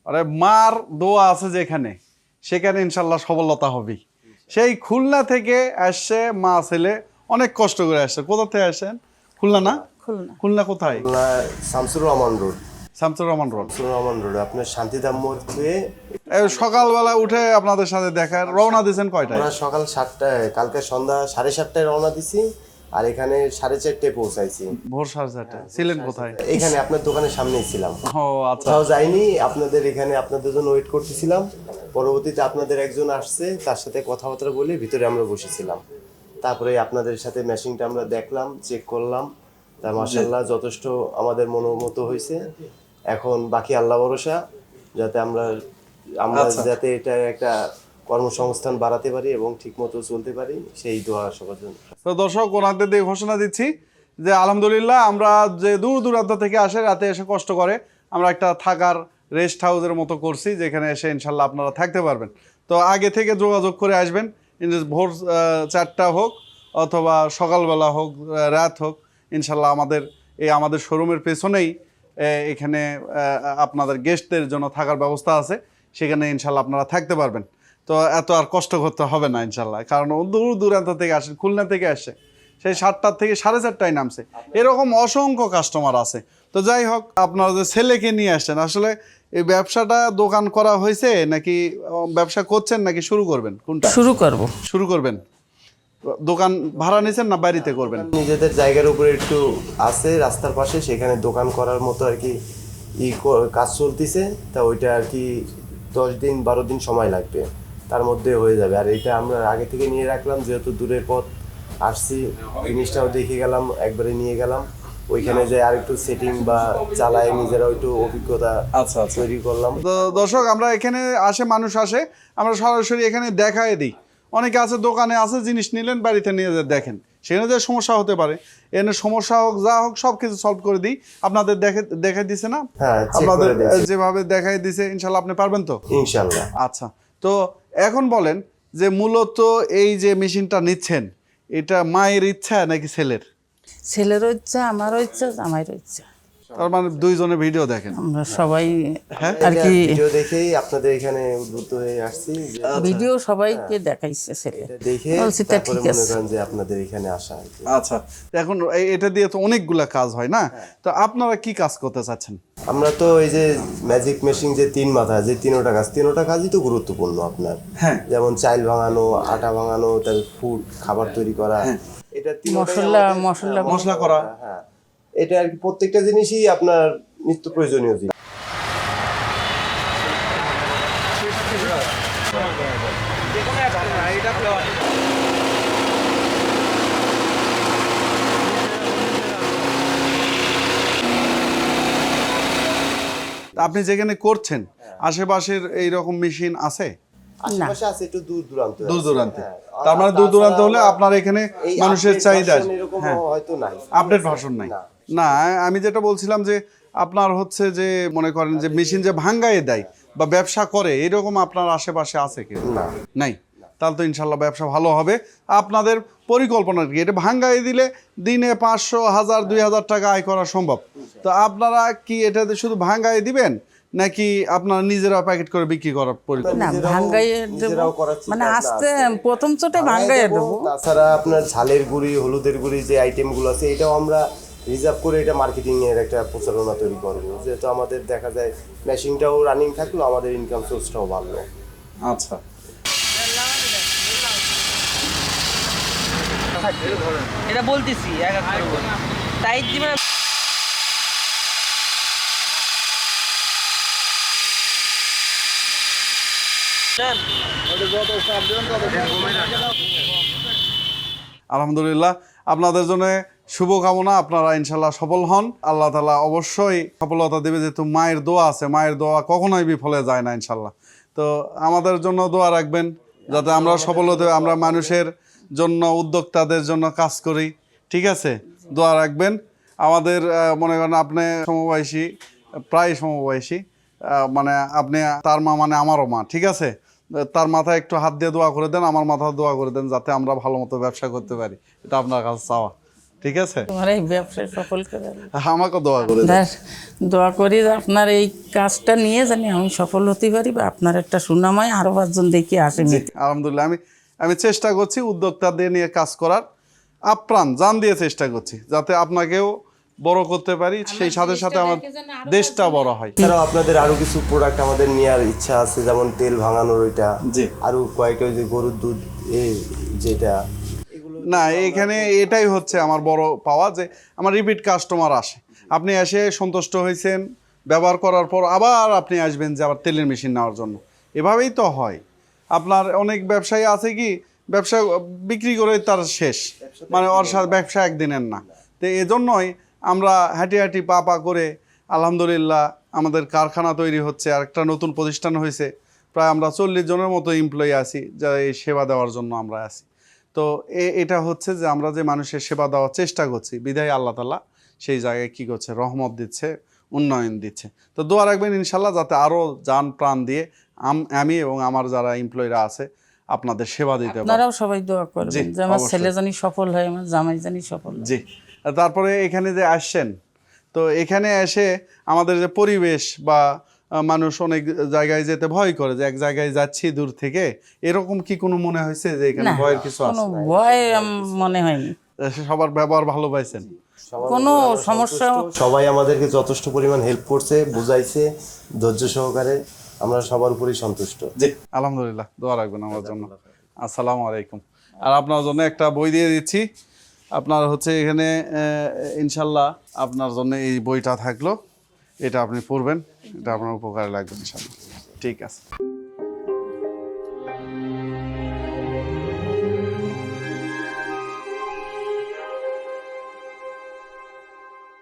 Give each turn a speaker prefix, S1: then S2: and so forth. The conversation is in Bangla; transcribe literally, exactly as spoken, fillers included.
S1: আরে মার দোয়া আছে যেখানে, সেখানে ইনশাল্লাহ সফলতা হবেই। সেই খুলনা থেকে আসছে মা ছেলে, অনেক কষ্ট করে আসছে। কোথা থেকে আসেন? খুলনা না?
S2: খুলনা।
S1: খুলনা কোথায়?
S3: Khulna Shamsur Rahman road.
S1: Shamsur Rahman road.
S3: Shamsur Rahman road আপনার শান্তিধাম মোড় থেকে।
S1: এই সকালবেলা উঠে আপনাদের সাথে দেখা, রওনা দিয়েছেন কয়টায়?
S3: আমরা সকাল সাতটায়, কালকে সন্ধ্যা সাড়ে সাতটায় রওনা দিছি, আর এখানে সাড়ে চারটায় পৌঁছাইছি।
S1: ভোর সাড়ে চারটায়। ছিলেন কোথায়?
S3: এখানে আপনার দোকানের সামনেই ছিলাম,
S1: ও আচ্ছা।
S3: কোথাও যাইনি। আপনাদের এখানে আপনাদের জন্য ওয়েট করতেছিলাম। পরবর্তীতে আপনাদের একজন আসছে, তার সাথে কথাবার্তা বলে ভিতরে আমরা বসেছিলাম। তারপরে আপনাদের সাথে মেশিনটা আমরা দেখলাম, চেক করলাম। তা মাশাআল্লাহ যথেষ্ট আমাদের মনোমত হয়েছে। এখন বাকি আল্লাহ ভরসা, যাতে আমরা আমরা যাতে এটা একটা কর্মসংস্থান বাড়াতে পারি এবং ঠিকমতো চলতে পারি, সেই দোয়া সবার জন্য।
S1: তো দর্শক, ওনাদের দিয়ে ঘোষণা দিচ্ছি যে আলহামদুলিল্লাহ, আমরা যে দূর দূরান্ত থেকে আসে, রাতে এসে কষ্ট করে, আমরা একটা থাকার রেস্ট হাউসের মতো করছি, যেখানে এসে ইনশাল্লাহ আপনারা থাকতে পারবেন। তো আগে থেকে যোগাযোগ করে আসবেন, ভোর চারটা হোক অথবা সকালবেলা হোক, রাত হোক, ইনশাল্লাহ আমাদের এই আমাদের শোরুমের পেছনেই এখানে আপনাদের গেস্টদের জন্য থাকার ব্যবস্থা আছে, সেখানে ইনশাল্লাহ আপনারা থাকতে পারবেন। তো এত আর কষ্ট করতে হবে না ইনশাল্লাহ, কারণ দূর দূরান্ত থেকে আসে, খুলনা থেকে আসে, সেই সাতটার থেকে সাড়ে চারটায় নামছে। এরকম অসংখ্য কাস্টমার আছে। তো যাই হোক, আপনারা যে ছেলেকে নিয়ে আসছেন, আসলে এই ব্যবসাটা দোকান করা হয়েছে নাকি ব্যবসা করছেন নাকি শুরু করবেন? কোনটা
S2: শুরু করব?
S1: শুরু করবেন। দোকান ভাড়া নিছেন না বাড়িতে করবেন?
S3: নিজেদের জায়গার উপরে একটু আছে রাস্তার পাশে, সেখানে দোকান করার মতো আর কি ই কাজ চলতেছে। তা ওইটা আর কি দশ দিন বারো দিন সময় লাগবে, তার মধ্যে হয়ে যাবে। আর এটা আমরা আগে থেকে নিয়ে রাখলাম, যেহেতু দূরের পথ আসছি, জিনিসটাও দেখে গেলাম, একবারে নিয়ে গেলাম। ওইখানে যে আর একটু সেটিং বা চালায় নিজেরা একটু অভিজ্ঞতা
S1: আচ্ছা আচ্ছা
S3: তৈরি করলাম।
S1: তো দর্শক, আমরা এখানে আসে, মানুষ আসে, আমরা সরাসরি এখানে দেখায় দিই। অনেকে আছে দোকানে আছে, জিনিস নিলেন, বাড়িতে নিয়ে যে দেখেন, সেখানে যে সমস্যা হতে পারে, এনে সমস্যা হোক যা হোক সব কিছু সলভ করে দিই। আপনাদের দেখে দেখাই দিছে না?
S3: হ্যাঁ,
S1: আপনাদের যেভাবে দেখাই দিছে, ইনশাল্লাহ আপনি পারবেন তো?
S3: ইনশাল্লাহ।
S1: আচ্ছা, তো এখন বলেন যে মূলত এই যে মেশিনটা নিচ্ছেন, এটা মায়ের ইচ্ছা নাকি ছেলের?
S2: ছেলেরও ইচ্ছা, আমারও ইচ্ছা, জামাইরও ইচ্ছা।
S1: তার মানে দুইজনে ভিডিও দেখেন?
S2: আমরা সবাই
S1: হ্যাঁ
S2: আর কি
S3: ভিডিও দেখেই আপনাদের এখানে উদ্বুদ্ধ হয়ে আসছি।
S2: ভিডিও সবাইকে দেখাইছে ছেলে,
S3: দেখে
S2: বলছি তা
S3: তারপরে
S2: ঠিক
S3: মনে
S2: আছে।
S3: করেন যে আপনাদের এখানে আসা আর কি।
S1: আচ্ছা, এখন এই- এটা দিয়ে তো অনেকগুলা কাজ হয় না, তো আপনারা কি কাজ করতে চাচ্ছেন?
S3: আমরা তো এই যে ম্যাজিক মেশিন যে তিন মাথা, যে তিনোটা কাজ, তিনোটা কাজই তো গুরুত্বপূর্ণ আপনার।
S1: হ্যাঁ।
S3: যেমন চাইল ভাঙানো, আটা ভাঙানো, তারপর ফুড খাবার তৈরি করা, এটা তিনোটাই
S2: মশলা
S3: আমাদের-
S2: মশলা
S1: মশলা করা,
S3: হ্যাঁ, এটা আর কি প্রত্যেকটা জিনিসই আপনার নিত্য প্রয়োজনীয় জিনিস।
S1: আপনি যেখানে করছেন আশেপাশের এইরকম মেশিন আছে?
S3: আশেপাশে আছে, একটু দূর দূরান্ত
S1: দূর দূরান্তে।
S3: হ্যাঁ।
S1: তার মানে
S3: আর
S1: দূর দূরান্ত
S3: তাছাড়া
S1: হলে আপনার এখানে
S3: এই
S1: মানুষের
S3: update
S1: চাহিদা
S3: version এরকম হয়তো নাই,
S1: আপডেট ভার্সন নাই।
S3: না।
S1: না, আমি যেটা বলছিলাম যে আপনার হচ্ছে যে মনে করেন যে মেশিন যে ভাঙ্গায় দেয় বা ব্যবসা করে, এরকম আপনার আশেপাশে আছে কি?
S3: না।
S1: নাই। তাহলে তো ইনশাল্লাহ ব্যবসা ভালো হবে। আপনাদের পরিকল্পনা কি? এটা ভাঙ্গাই দিলে দিনে পাঁচশো, হাজার, দুই হাজার টাকা আয় করা সম্ভব। তো আপনারা কি এটাতে শুধু ভাঙ্গাই দিবেন নাকি আপনারা নিজেরা প্যাকেট করে বিক্রি করার পরিকল্পনা?
S2: না,
S3: নিজেরাও-
S2: ভাঙ্গাইয়ে দেবো,
S3: নিজেরাও করার চিন্তা
S2: মানে
S3: ভাবনা
S2: আস্তে
S3: আছে।
S2: প্রথম চোটে ভাঙ্গাইয়ে
S3: দেবো।
S2: দেবো।
S3: তাছাড়া আপনার ঝালের গুঁড়ি, হলুদের গুঁড়ি যে আইটেমগুলো আছে, এটাও আমরা রিজার্ভ করে এটা মার্কেটিং এর একটা প্রচারণা তৈরি করবো, যেহেতু আমাদের দেখা যায় মেশিনটাও রানিং থাকলো, আমাদের ইনকাম সোর্সটাও বাড়লো।
S1: আচ্ছা,
S4: এটা বলতেছি এক এক করে বল। তাই দিবে না।
S1: আলহামদুলিল্লাহ, আপনাদের জন্য শুভকামনা। আপনারা ইনশাল্লাহ সফল হন, আল্লাহ তাআলা অবশ্যই সফলতা দেবে, যেহেতু মায়ের দোয়া আছে, মায়ের দোয়া কখনোই বিফলে যায় না ইনশাল্লাহ। তো আমাদের জন্য দোয়া রাখবেন, যাতে আমরা সফল হতে, আমরা মানুষের জন্য, উদ্যোক্তাদের জন্য কাজ করি, ঠিক আছে? দোয়া রাখবেন। আমাদের মনে করেন আপনি সমবয়সী, প্রায় সমবয়সী, মানে আপনি তার মা মানে আমারও মা, ঠিক আছে? তার মাথায় একটু হাত দিয়ে দোয়া করে দেন, আমার মাথা দোয়া করে দেন, যাতে আমরা ভালো মতো ব্যবসা করতে পারি। এটা আপনার কাছে চাওয়া, ঠিক আছে,
S2: তোমার এই ব্যবসায় সফল করে আল্লাহ।
S1: আমাকে দোয়া করে দেন।
S2: দাস, দোয়া করি যে আপনার এই কাজটা নিয়ে জানি আমি সফল হতে পারি বা আপনার একটা সুনাময় আরো পাঁচজন দেখে আসে
S1: জি, আলহামদুলিল্লাহ আমি আমি চেষ্টা করছি উদ্যোক্তাদের নিয়ে কাজ করার, আপ্রাণ জান দিয়ে চেষ্টা করছি যাতে আপনাকেও বড় করতে পারি, সেই সাথে সাথে আমার দেশটা বড় হয়।
S3: এছাড়াও আপনাদের আরো কিছু প্রোডাক্ট আমাদের নেওয়ার ইচ্ছা আছে, যেমন তেল ভাঙানোর ওইটা,
S1: জি।
S3: আরো কয়েকটা ওই যে গরুর দুধ এই যেটা,
S1: না এখানে এটাই হচ্ছে আমার বড় পাওয়া যে আমার রিপিট কাস্টমার আসে, আপনি এসে সন্তুষ্ট হয়েছেন, ব্যবহার করার পর আবার আপনি আসবেন যে আবার তেলের মেশিন নেওয়ার জন্য, এভাবেই তো হয়। আপনার অনেক ব্যবসায়ী আছে কি ব্যবসা বিক্রি করে তার শেষ, মানে ওর সাথে ব্যবসা একদিনের না। তো এজন্যই আমরা হাঁটি হাঁটি পা পা করে আলহামদুলিল্লাহ আমাদের কারখানা তৈরি হচ্ছে, আর একটা নতুন প্রতিষ্ঠান হয়েছে, প্রায় আমরা চল্লিশ জনের মতো এমপ্লয়ি আছি যারা এই সেবা দেওয়ার জন্য আমরা আছি। তো এ- এটা হচ্ছে যে আমরা যে মানুষের সেবা দেওয়ার চেষ্টা করছি, বিধায় আল্লাহ তাআলা সেই জায়গায় কী করছে, রহমত দিচ্ছে, উন্নয়ন দিচ্ছে। তো দোয়া রাখবেন ইনশাল্লাহ যাতে আরও জান প্রাণ দিয়ে আম- আমি এবং আমার যারা এমপ্লয়িরা আছে আপনাদের সেবা দিতে পারে।
S2: আপনারাও সবাই দোয়া
S1: জি,
S2: করবেন যে আমার
S1: অবশ্যই।
S2: ছেলে জানি সফল হয়, আমার জামাই জানি সফল হয়।
S1: জি, আর তারপরে এখানে যে আসছেন, তো এখানে এসে আমাদের যে পরিবেশ বা আহ, মানুষ অনেক জায়গায় যেতে ভয় করে যে এক জায়গায় যাচ্ছি দূর থেকে, এরকম কি কোনো মনে হয়েছে যে এখানে
S2: না,
S1: ভয়ের কিছু
S2: কোনো
S1: আছে?
S2: ভয় আম- মনে হয়নি,
S1: সবার ব্যবহার ভালো পাইছেন?
S2: কোনো সমস্যা।
S3: সবাই আমাদেরকে যথেষ্ট পরিমাণ হেল্প করছে, বুঝাইছে ধৈর্য সহকারে, আমরা সবার উপরেই সন্তুষ্ট।
S1: জি, আলহামদুলিল্লাহ, দোয়া রাখবেন আমার জন্য। আসসালামু আলাইকুম। আর আপনার জন্য একটা বই দিয়ে দিচ্ছি, আপনার হচ্ছে এখানে আহ, ইনশাল্লাহ আপনার জন্য এই বইটা থাকলো, এটা আপনি পড়বেন, এটা আপনার উপকারে লাগবে ইনশাল্লাহ। ঠিক আছে।